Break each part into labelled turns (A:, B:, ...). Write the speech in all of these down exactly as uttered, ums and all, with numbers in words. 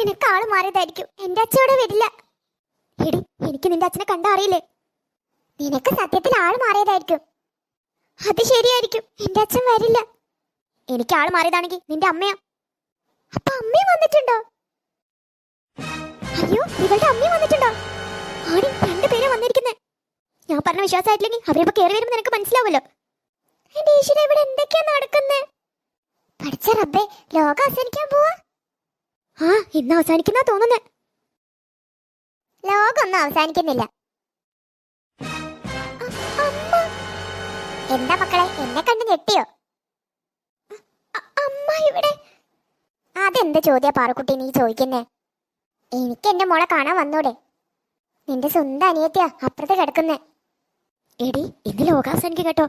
A: നിനക്ക് ആള് മാറിയതായിരിക്കും. എന്റെ അച്ഛനോടെ വരില്ല. എടി, എനിക്ക് നിന്റെ അച്ഛനെ കണ്ട അറിയില്ലേ? നിനക്ക് സത്യത്തിൽ ആള് മാറിയതായിരിക്കും. അത് ശരിയായിരിക്കും, എന്റെ അച്ഛൻ വരില്ല. എനിക്ക് ആള് മാറിയതാണെങ്കിൽ നിന്റെ അമ്മയാ. അപ്പൊ അമ്മയും വന്നിട്ടുണ്ടോ? അയ്യോ, ഇവളുടെ അമ്മയും വന്നിട്ടുണ്ടോ? ആടി, രണ്ടുപേരും വന്നിരിക്കുന്നേ. ഞാൻ പറഞ്ഞ വിശ്വാസമായിട്ടില്ലെങ്കിൽ അവരിപ്പോ കയറി വരുമ്പോ നിനക്ക് മനസ്സിലാവുമല്ലോ. എന്റെ ഈശ്വര, ഇവിടെ എന്തൊക്കെയാ നടക്കുന്നേ? പഠിച്ച റബ്ബേ, ലോകം അവസാനിക്കാൻ പോവാ. ആ, ഇന്ന് അവസാനിക്കുന്ന തോന്നുന്നേ. ലോകമൊന്നും അവസാനിക്കുന്നില്ല. എന്താ മക്കളെ, എന്നെ കണ്ട് ഞെട്ടിയോ? അമ്മ ഇവിടെ. അതെന്ത് ചോദ്യാ പാറുക്കുട്ടി നീ ചോദിക്കുന്നേ? എനിക്ക് എന്റെ മോളെ കാണാൻ വന്നൂടെ? നിന്റെ സ്വന്തം അനിയത്തിയാ അപ്പുറത്ത് കിടക്കുന്നേ. എടി, ഇന്ന് ലോകാവസാനിക്കും കേട്ടോ.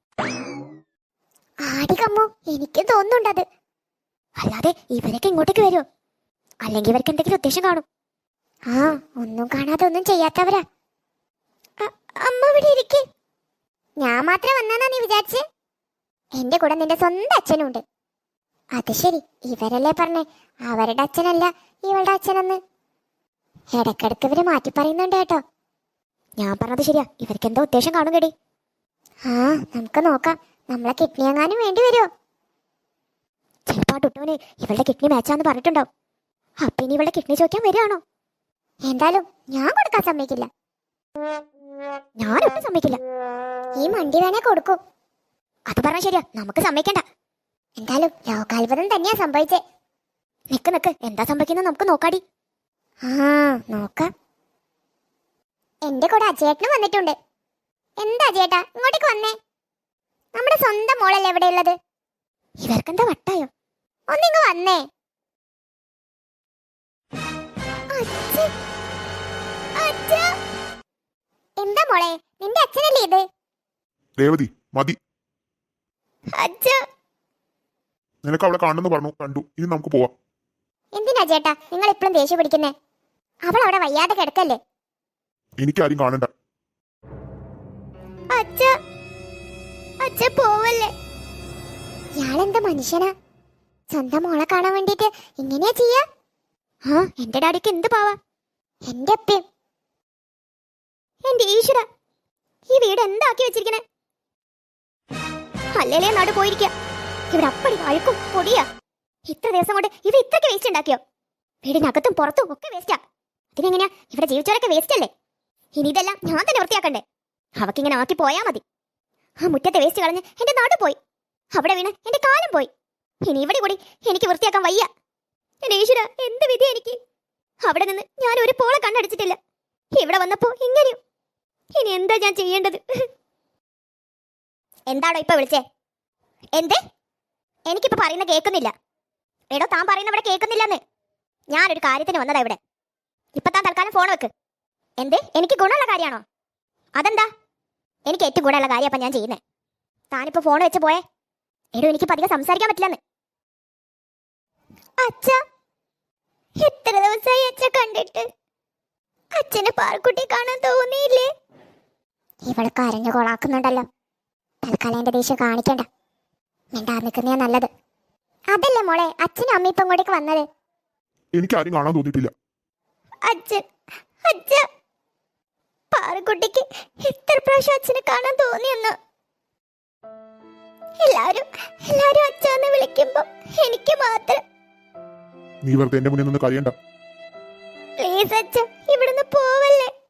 A: ആടി കമ്മു, എനിക്ക് തോന്നുന്നുണ്ടത്. അല്ലാതെ ഇവരൊക്കെ ഇങ്ങോട്ടേക്ക് വരുമോ? അല്ലെങ്കിൽ ഇവർക്ക് എന്തെങ്കിലും ഉദ്ദേശം കാണും. ആ, ഒന്നും കാണാതെ ഒന്നും ചെയ്യാത്തവരാ. അമ്മ ഇവിടെ ഇരിക്കേ. ഞാൻ മാത്രം വന്നാ നീ വിചാരിച്ചേ? എന്റെ കൂടെ നിന്റെ സ്വന്തം അച്ഛനും ഉണ്ട്. അത് ശരി, ഇവരല്ലേ പറഞ്ഞേ അവരുടെ അച്ഛനല്ല ഇവളുടെ അച്ഛനെന്ന്. ഇടക്കിടക്ക് ഇവര് മാറ്റി പറയുന്നുണ്ട് കേട്ടോ. ഞാൻ പറഞ്ഞത് ശരിയാ, ഇവർക്ക് എന്താ ഉദ്ദേശം കാണും കേടി. ആ, നമുക്ക് നോക്കാം. നമ്മളെ കിഡ്നി എങ്ങാനും വേണ്ടി വരുമോ? ചിലപ്പോ ടുട്ടുവിന് ഇവളുടെ കിഡ്നി മാച്ചാന്ന് പറഞ്ഞിട്ടുണ്ടാവും. അപ്പൊ ഇനി ഇവളുടെ കിഡ്നി ചോദിക്കാൻ വരികയാണോ? എന്തായാലും ഞാൻ കൊടുക്കാൻ സമ്മതിക്കില്ല. ഞാനൊട്ടും സമ്മതിക്കില്ല. ഈ മണ്ടി വേണേ കൊടുക്കും. അത് പറഞ്ഞ ശരിയാ, നമുക്ക് സമ്മതിക്കണ്ട. എന്തായാലും ലോകാത്ഭുതം തന്നെയാ സംഭവിച്ചേ. നിക്ക് നിക്ക്, എന്താ സംഭവിക്കുന്നത് നമുക്ക് നോക്കാടി. ആ, നോക്കാം. എന്റെ കൂടെ അജയേട്ടനും വന്നിട്ടുണ്ട്. എന്താ അജയേട്ടാ ഇങ്ങോട്ടേക്ക് വന്നേ? നമ്മുടെ സ്വന്തം മോളല്ലേ എവിടെ ഉള്ളത്? ഇവർക്കെന്താ വട്ടായോ? ഒന്നിങ്ങ് വന്നേ. എന്താ മോളെ, നിന്റെ അച്ഛനല്ലേ ഇത്?
B: രേവതി, മതി.
A: അച്ഛ,
B: നിനക്ക് അവളെ കാണുന്നു പറഞ്ഞു, കണ്ടു. ഇനി നമുക്ക് പോവാം.
A: എന്തിനാ ചേട്ടാ നിങ്ങൾ ഇപ്പോഴും ദേഷ്യം പിടിക്കുന്നേ? അവൾ അവിടെ വയ്യാതെ കിടക്കല്ലേ.
B: എനിക്കാരും കാണണ്ട.
A: അച്ഛ, അച്ഛ പോവല്ലേ. ഇയാളെന്താ മനുഷ്യനാ? സ്വന്തം മോളെ കാണാൻ വേണ്ടിട്ട് ഇങ്ങനെയാ ചെയ്യാ? ആ, എന്റെ ഡാഡിക്ക് എന്ത് പാവാ. എന്റെ അപ്പയും. എന്റെ ഈശ്വര, ഈ വീട് എന്താക്കി വെച്ചിരിക്കണേ? അല്ലേലേ നാട് പോയിരിക്ക. ഇവിടെ അപ്പടി വഴുക്കും പൊടിയാ. ഇത്ര ദിവസം കൊണ്ട് ഇവ ഇത്രയ്ക്ക് വേസ്റ്റ് ഉണ്ടാക്കിയോ? വീടിനകത്തും പുറത്തും ഒക്കെ വേസ്റ്റാ. അതിനെങ്ങനെയാ ഇവിടെ ജീവിച്ചവരൊക്കെ വേസ്റ്റ് അല്ലേ? ഇനി ഇതെല്ലാം ഞാൻ തന്നെ വൃത്തിയാക്കണ്ടേ? അവക്കിങ്ങനെ ആക്കി പോയാ മതി. ആ മുറ്റത്തെ വേസ്റ്റ് കളഞ്ഞ് എന്റെ നാട് പോയി. അവിടെ വീണ് എന്റെ കാലം പോയി. ഇനി ഇവിടെ കൂടി എനിക്ക് വൃത്തിയാക്കാൻ വയ്യ. എന്റെ ഈശ്വര, എന്ത് വിധി എനിക്ക്. അവിടെ നിന്ന് ഞാൻ ഒരു പോളെ കണ്ണടിച്ചിട്ടില്ല. ഇവിടെ വന്നപ്പോ ഇങ്ങനെയും. ഇനി എന്താ ഞാൻ ചെയ്യേണ്ടത്? എന്താണോ ഇപ്പൊ വിളിച്ചേ? എന്തേ? എനിക്കിപ്പോ പറയുന്ന കേൾക്കുന്നില്ല. എടോ, താൻ പറയുന്ന ഇവിടെ കേൾക്കുന്നില്ലെന്ന്. ഞാനൊരു കാര്യത്തിന് വന്നതാ ഇവിടെ. ഇപ്പൊ താൻ തൽക്കാലം ഫോൺ വെക്ക്. എന്തേ? എനിക്ക് ഗുണമുള്ള കാര്യമാണോ? അതെന്താ? എനിക്ക് ഏറ്റവും ഗുണമുള്ള കാര്യം അപ്പൊ ഞാൻ ചെയ്യുന്നേ. താനിപ്പോ ഫോൺ വെച്ച് പോയേ. എടോ, എനിക്കിപ്പോ അധികം സംസാരിക്കാൻ പറ്റില്ലെന്ന്. അച്ഛ, എത്ര ദിവസമായി അച്ഛ കണ്ടിട്ട്? അച്ഛന് പാർക്കുട്ടി കാണാൻ തോന്നിയില്ലേ? ഇവള് കരഞ്ഞു കൊളാക്കുന്നുണ്ടല്ലോ. തൽക്കാലം എന്റെ ദേഷ്യം കാണിക്കണ്ട. മിണ്ടാ നിൽക്കുന്നേ നല്ലത്. അതല്ലേ മോളെ, അച്ഛനും അമ്മ ഇപ്പൊ ഇങ്ങോട്ടേക്ക് വന്നത്.
B: എനിക്കാരും കാണാൻ തോന്നിയിട്ടില്ല.
A: അച്ഛൻ, അച്ഛ, പാറക്കുട്ടിക്ക് എത്ര പ്രാവശ്യം അച്ഛനെ കാണാൻ തോന്നിയെന്ന്. എല്ലാരും എല്ലാരും അച്ഛന്ന് വിളിക്കുമ്പോ എനിക്ക് മാത്രം.
B: നീ വെറുതെ എന്റെ മുന്നിൽ നിന്ന് കരയണ്ട.
A: പ്ലീസ് അച്ഛ, ഇവിടുന്ന് പോവല്ലേ.